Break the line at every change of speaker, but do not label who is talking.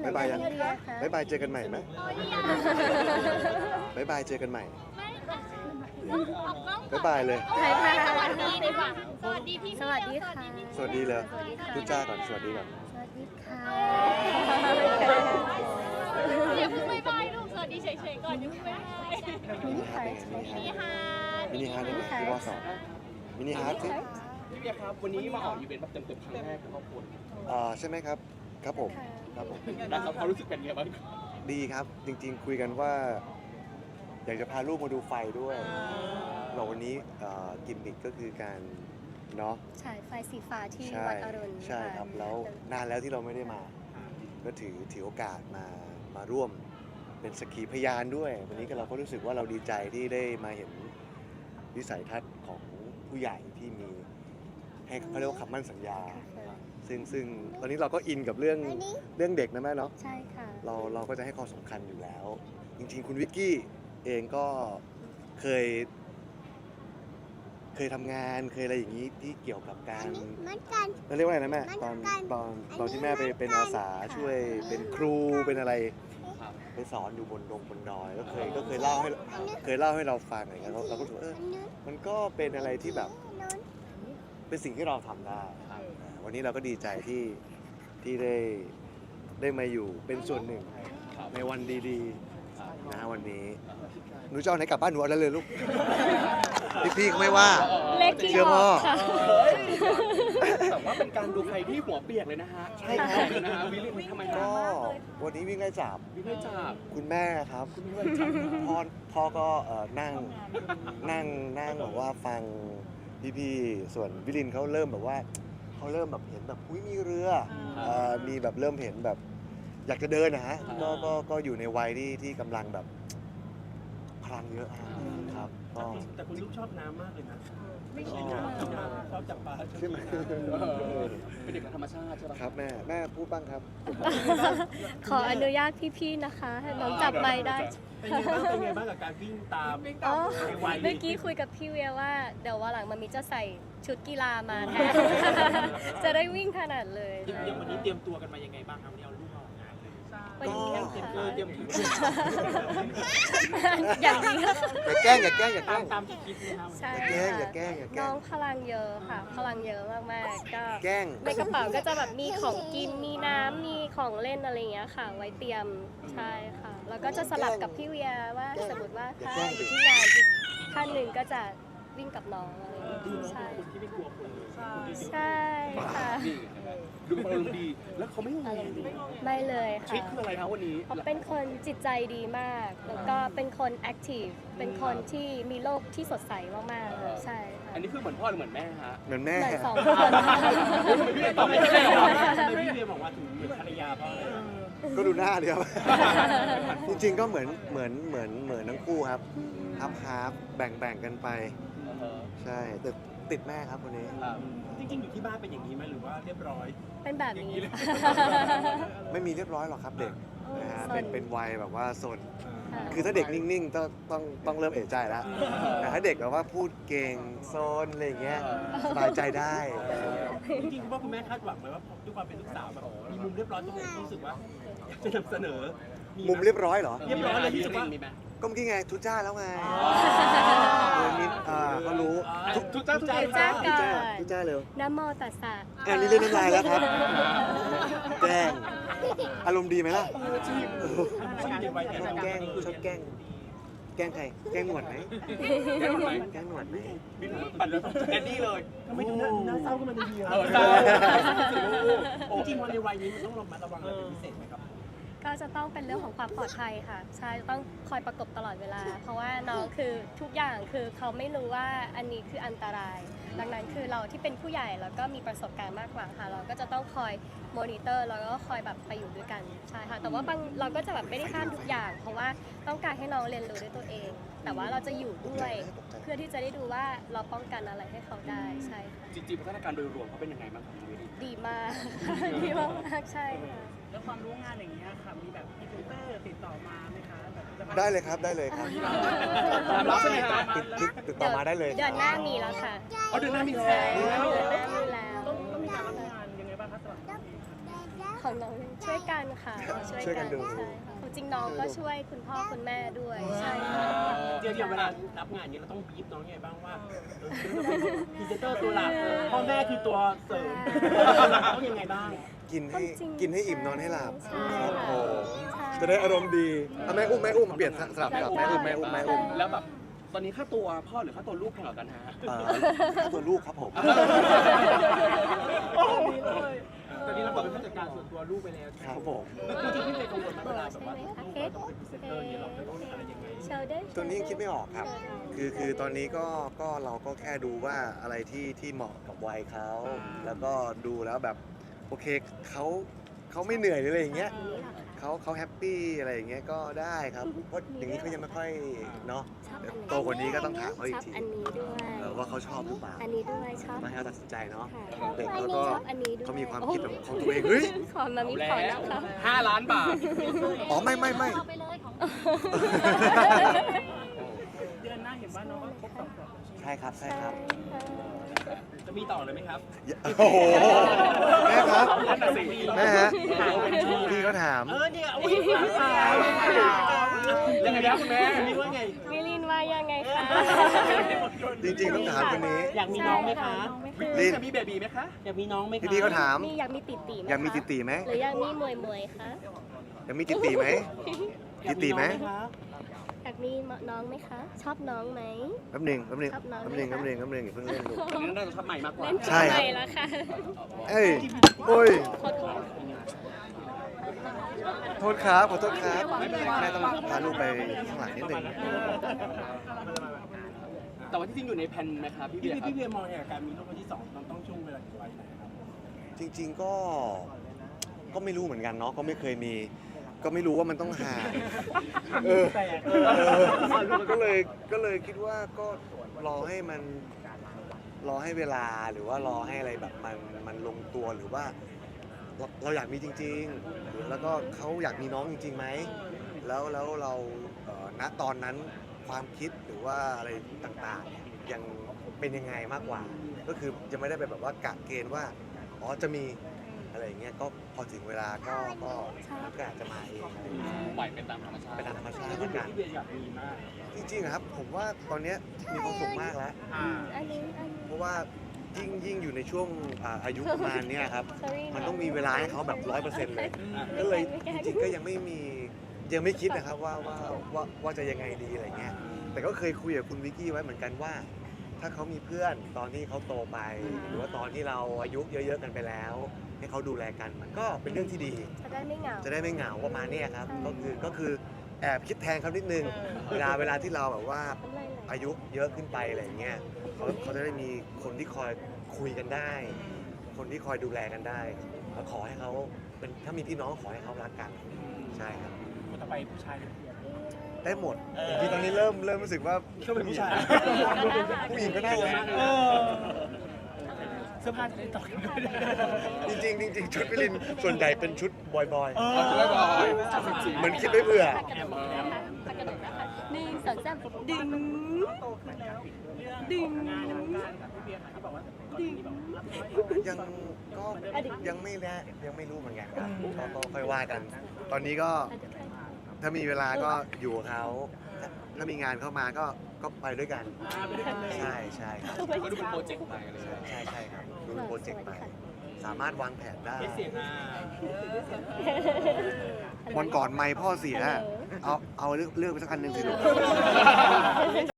บ๊ายบายยังบ๊ายบายเจอกันใหม่ไหมบ๊ายบายเจอกันใหม่บ๊ายบายเลย
สวัสดีดีกว่าสวัสดีพี่
สวัสดีค่ะ
สวัสดีเลยทุจ้าก่อนสวัสดีก่อน
สวัสดีค่ะ
อย่าเพิ่งบ๊ายบายลูกสวัสดีเฉยๆก่อนอย่าเพิ่งบ๊ายบาย
มินิฮาร์ทเป็นไงมินิฮาร์ทมินิฮาร์ทได้ไหมที่ว่าสองมินิฮาร์ทสิ
พี่เบียร์ครับวันนี้มาออกอีเวนต์แบบเต็มๆครั้งแรกของครอบครัว
ใช่ไหมครับครับผมครับผม
ได้ครับความรู้สึกเป็นไงบ้าง
ดีครับจริงๆคุยกันว่า อยากจะพาลูกมาดูไฟด้วยเราวันนี้กิมมิคก็คือการเนาะ
ฉายไฟสีฟ้าที่
ใช่
วัดอรุณ
ใช่ครับแล้วนานแล้วที่เราไม่ได้มา ก็ถือโอกาสมาร่วมเป็นสักขีพยานด้วย วันนี้ก็เราก็รู้สึกว่าเราดีใจที่ได้มาเห็นวิสัยทัศน์ของผู้ใหญ่ที่มีให้เขาเรียกว่าคำมั่นสัญญา ซึ่งตอนนี้เราก็อินกับเรื่องเด็กนะแม่เนาะ
ใช่ค่ะ
เราก็จะให้ความสำคัญอยู่แล้ว จริงๆคุณวิกกี้เองก็เคยทำงานเคยอะไรอย่างนี้ที่เกี่ยวกับการเราเรียกว่าอะไรนะแม่ตอนที่แม่ไปเป็นอาสาช่วยเป็นครูเป็นอะไรไปสอนอยู่บนดอยก็เคยเล่าให้เราฟังอะไรเงี้ยเราก็รู้สึกมันก็เป็นอะไรที่แบบเป็นสิ่งที่เราทำได้วันนี้เราก็ดีใจที่ได้มาอยู่เป็นส่วนหนึ่งในวันดีๆนะวันนี้หนูจะเอาไหนกลับบ้านหนูเอาได้เลยลูกพี่เขาไม่ว่า
เลขที่
เชื่อ
อ
พ่อ
อกค่ะ
แต่ว่าเป็นการดูใครที่หัวเปียกเลยนะฮะ
ใช่ครับ
นะฮะวิลลี่ทำไม
ก็วันนี้วิ่งไล่จับ
วิลลี่จับ
คุณแม่ครับพ่อก็นั่งแบบว่าฟังพี่ๆส่วนวิลินเขาเริ่มแบบว่าเขาเริ่มแบบเห็นแบบอุ้ยมีเรือมีแบบเริ่มเห็นแบบอยากจะเดินนะฮะก็อยู่ในวัยที่กำลังแบบพลังเยอะครับก็
แต่คุณลูกชอบน้ำมากเลยนะไม่ใช่น้ำชอบจับปลา
ใช่ไหม
เป็นเด็กธรรมชาติใช่ไหม
ครับแม่พูดบ้างครับ
ขออนุญาตพี่ๆนะคะให้น้องจับไมค์ได้
เป็นไงบ้างกับการวิ่งตาม
อ๋อ
ในวัย
เมื่อกี้คุยกับพี่เวียว่าเดี๋ยววันหลังมันมีจะใส่ชุดกีฬามาแทน จะได้วิ่งขนาดเลย
ยังวันนี้เตรียมตัวกันมายังไงบ้างครับวันนี้เอาลูกมาออกงานเลย
วันนี้
เตรียม
ค่ะ
เตรียมถึง
อย่างนี้ค่ะ
อย่าแกล้งอย่าแกล้งอย่าแกล้ง
ตามที่คิดนะครับ
ใช่
อย่าแกล้ง
ค่ะ
อย่าแกล้ง
น้องพลังเยอะค่ะ พลังเยอะมากๆก็
แกล้ง
ในกระเป๋าก็จะแบบมีของกินมีน้ำมีของเล่นอะไรอย่างเงี้ยค่ะ ไว้เตรียมใช่ค่ะ แล้วก็จะสลับกับพี่เวียว่าสมมติว่าถ้าอยู่ที่งานอีกท่านหนึ่งก็จะวิ่งกับน้องอะไรอย่างเงี้ยใช่
คนที่ไม่กลัวคนเลย
ใช่ค่ะ
นี่ดูเป็นคนอารมณ์ดี แล้วเขาไม่งง
ไม่เลย
ทริค
ค่ะ
คืออะไรครับวันนี้
เขาเป็นคนจิตใจดีมาก แล้วก็เป็นคนแอคทีฟเป็นคนที่มีโลกที่สดใสมากๆค่ะใช่ค่ะ
อันนี้คือเหมือนพ่อหรือเหมือนแม่ฮะ
เหมือนแม่
เหมือนสองคน
ตอนไม่ใช่หรอทำไมพี่เรียบอกว่าถึงเหมือนภรรยาเพราะอะไร
ก็ดูหน้าเดียว จริงๆก็เหมือนทั้งคู่ครับฮาร์ฟแบ่งกันไป ใช่แต่ติดแม่ครับคนนี้
จริงๆอยู่ที่บ้านเป็นอย่างนี้ไหมหรือว่าเรียบร้อย
เป็นแบบนี้
ไม่มีเรียบร้อยหรอกครับเด็กนะฮะ
สน
เป็นวัยแบบว่าสน
ค่ะ
คือถ้าเด็กนิ่งๆต้องเริ่มเอะใจแล้วแต่ถ้าเด็กแบบว่าพูดเก่งโซนอะไรอย่างเงี้ยสบายใจได้
จริงๆคุณพ่อคุณแม่คาดหวังไหมว่าด้วยความเป็นลูกสาวแบบมีมุมเรียบร้อยตรงไหนที่รู้สึกว่าจะนำเสนอ
มุมเรียบร้อยเหรอ
เรียบร้อยเลยที่
มี
จะ
ไหม
ว่า
มีไหม
ก็เมื่อกี้ไงทุจ้าแล้วไงเขารู้
ทุกเจ้า
ทุกเจ้า
ทุจ้าเร็ว
นะโมตัสสะ
อันนี้เล่นน้ำลายแล้วครับ แกล้งอารมณ์ดีไหมล่ะ
ชีวิตในวัย
ชอบแกล้งแกล้งใครแกล้งหนวดไหมแกล้งหนวดไหม
ปั่นแล้วแดดดี้เลย
ทำไมถึงน่าเศร้าขึ้นมาทันที
เออเศร้า
จริงๆพอในวัยนี้มันต้องระมัดระวังอะไรเป็นพิเศษไหมครับ
ก็จะต้องเป็นเรื่องของความปลอดภัยค่ะใช่ต้องคอยประกบตลอดเวลา เพราะว่าน้องคือทุกอย่างคือเขาไม่รู้ว่าอันนี้คืออันตราย ดังนั้นคือเราที่เป็นผู้ใหญ่แล้วก็มีประสบการณ์มากกว่าค่ะ เราก็จะต้องคอยมอนิเตอร์แล้วก็คอยแบบไปอยู่ด้วยกันใช่ค่ะแต่ว่าบางเราก็จะแบบไม่ได้ห้ามทุกอย่าง เพราะว่าต้องการให้น้องเรียนรู้ด้วยตัวเอง แต่ว่าเราจะอยู่ด้วยเพื่อที่จะได้ดูว่าเราป้องกันอะไรให้เขาได้ใช่ค่ะ
จริงๆพัฒนาการโดยรวมเขาเป็นยังไงบ้างครับชีวิต
ดีมาก ดีมากๆใช่ค่ะ
แล้วความรู้งานอย่างเงี้ยค่ะมีแบบพรีเซนเตอร์ติดต่อมาไหมคะแบบจะมา
ได้เลยครับได้เลยครับ
รับใช่ไหมฮะ
ติดต่อมาได้เลย
เดือนหน้ามีแล้วค่ะ
เอาเดือนหน้ามีแล้
ใช่
ว
เดือนหน้ามีแล้ว
ต้องมีการรับงานยังไงบ้างคะสำหรับน้องเอง
ขของน้องช่วยกันค่ะช่วยกันใช่ค่ะจริงน้องก็ช่วยคุณพ่อคุณแม่ด้วยใช่ค่ะ
เดี๋ยวเวลารับงานนี้เราต้องบีบน้องไงบ้างว่าเราเป็นพรีเซนเตอร์ตัวหลักพ่อแม่คือตัวเสริมต้องยังไงบ้าง
กินให้อิ่มนอนให้หลับ
ใช่
ครับผ
ค่ะ
ม
ใช่
จะได้อารมณ์ดีเอาแม่อุ้มเปลี่ยนสลับกับแม่อุ้ม
แล้วแบบตอนนี้ค่าตัวพ่อหรือค่าตัวลูกแข่งกันฮะ
ค่าตัวลูกครับผม
ตอนนี้เราบอกเป็นผู้จัดการส่วนตัวลูกไปแล้ว
ครับผม
จริงๆพี่เลยกังวลมากเวลาแบบ
ใช่
ว่า
ไหมคะ
ลูก
เค้ก
เราต้องเป็นพรีเซนเตอร์เนี่ยเราจะต้องอะไรยังไง
โชว์ได้
ตัวนี้ยังคิดไม่ออกครับ คือตอนนี้ก็เราก็แค่ดูว่าอะไรที่เหมาะกับวัยเขา แล้วก็ดูแล้วแบบโอเคเขาไม่เหนื่อยหรืออะไรอย่างเงี้ยเขาแฮปปี้อะไรอย่างเงี้ยก็ได้ครับ เพราะอย่างนี้เขายังไม่ค่อยเนาะ
ชอบอัน
โตกว่านี้ก็ต้องถามเขาอี
ช
ก
อบ
ที
อันนี้ด้วย
ว่าเขาชอบหรือเปล่า
อันนี้ด้วยชอบ
มาให้เขาตัดสินใจเนาะ
ค่ะ
เด็ก
อัน
แล้ว
นี้
ก็
ชอบอันนี้ด้วย
เขามีความคิดของตัวเองเฮ้ย
ขอมามีขอนะคะ
5 ล้านบาท
อ๋อไม่
เอาไปเลยของ
เดือนหน้าเห็นว่าน้องก็ครบ2 ขวบ
ใช่ครับ
จะมีต่อเลยไหมครับ
โอ้โหแม่ครับ
นั่นน่ะสิ
แม่ฮะพี่เขาถาม
เนี่ยอุ้ยยังไงนะคุณแม่นี่ว่าไง
มิลินว่ายังไงคะ
จริงๆต้องถามคนนี้
อยากมีน้องไหมคะ
ลิน
จะมีเบบีไหมคะ
อยากมีน้องไหมคะ
พี่เขาถาม
มีอยากมีติตีไหม
อยากมีติตีไหม
หรืออยากมีมวยคะ
อยากมีติตีไหมติตีไหม
อยากมีน้องไหมคะ ชอบน้องไหม
แป๊บหนึงอย่าเพิ่งเล่น
ชอบน้อง
ลูก
ไหมคะ
อย่าเพิ่งเล่นลูก
ตอนนี้น่าจะชอบใหม่มากกว่า
เล่น
ใช่ครับ
ใหม่แล้วค่ะ
เอ้ยโอ้ย
ขอโทษ
โทษครับขอโทษครับแม่ต้องพาลูกไปข้างหลังนิดหนึง
แต่ว่าที่จริงอยู่ในแผนไหมครับพี่
พี่
เบียร์ครับ
เบียร์มองอย่างการมีลูกคนที่2ต้องช่วงเวลากี่วันไหนครับ
จริง ๆก็ไม่รู้เหมือนกันเนาะก็ไม่เคยมี ก็ไม่รู้ว่ามันต้องห่าง
แปลก
ก็เลยคิดว่าก็รอให้เวลาหรือว่ารอให้อะไรแบบมันลงตัวหรือว่าเราอยากมีจริงๆแล้วก็เขาอยากมีน้องจริงๆไหมแล้วเราณตอนนั้นความคิดหรือว่าอะไรต่างๆเนี่ยยังเป็นยังไงมากกว่า ก็คือจะไม่ได้ไปแบบว่ากะเกณฑ์ว่าอ๋อจะมีอะไรอย่างเงี้ยก็พอถึงเวลาก็มันก็อาจจะมาเองอะไรอย่างเงี้ย
ปล่อยไปตามธรรมชาติ
เป็นตามธรรมชาติ
พี่
แล้วกัน
เบียร์อยากมีมาก
จริงๆอะครับผมว่าตอนเนี้ยมีความสุขมากแล้ว
อันนี้
เพราะว่ายิ่งอยู่ในช่วงอายุประมาณเนี้ยครับ
sorry
มันต้องมีเวลาให้เขาแบบ100%เลยก็เลยจริงๆก็ยังไม่คิดนะครับว่าจะยังไงดีอะไรเงี้ยแต่ก็เคยคุยกับคุณวิกกี้ไว้เหมือนกันว่า ถ้าเขามีเพื่อนตอนที่เขาโตไป หรือว่าตอนที่เราอายุเยอะๆกันไปแล้ว ให้เขาดูแลกันมันก็เป็นเรื่องที่ดี
จะได้ไม่เหงา
จะได้ไม่เหงาประมาณเนี้ยครับก็คือแอบคิดแทนเขานิดนึงเวลาที่เราแบบว่า
น้ำลายไหล
อายุเยอะขึ้นไปอะไรอย่างเงี้ยเขาจะได้มีคนที่คอยคุยกันได้ คนที่คอยดูแลกันได้แล้วขอให้เขาเป็นถ้ามีพี่น้องขอให้เขารักกันใช่ครับ
คนต่อไปผู้ชาย
ได้หมดจริงๆตอนนี้เริ่มรู้สึกว่า
ก็เป็นผู้ชาย
ผู้หญิงก็ได้นะ
เสื้อผ้าจะได้ต่อกันด้วย
จริงๆจริงๆชุดพี่ลินส่วนใหญ่เป็นชุดบอย
เอาจะได้บอย
เหมือนคิดไว้เผื่อ
พักกระโดดนะคะหนึ่งสองสามดึงดึง
ยังไม่รู้เหมือนกันครับก็ค่อยว่ากัน ตอนนี้ก็ถ้ามีเวลาก็อยู่กับเขาถ้ามีงานเข้ามาก็ไปด้วยกันใช่ครับ
ก็ดูเป็นโปรเจกต์ไปเลย
ใช่ครับดูเป็นโปรเจกต์ไปสามารถวางแผนได้
เสียง
วันก่อนไมค์พ่อเสียเอาเลือกไปสักอันหนึ่งสิลูก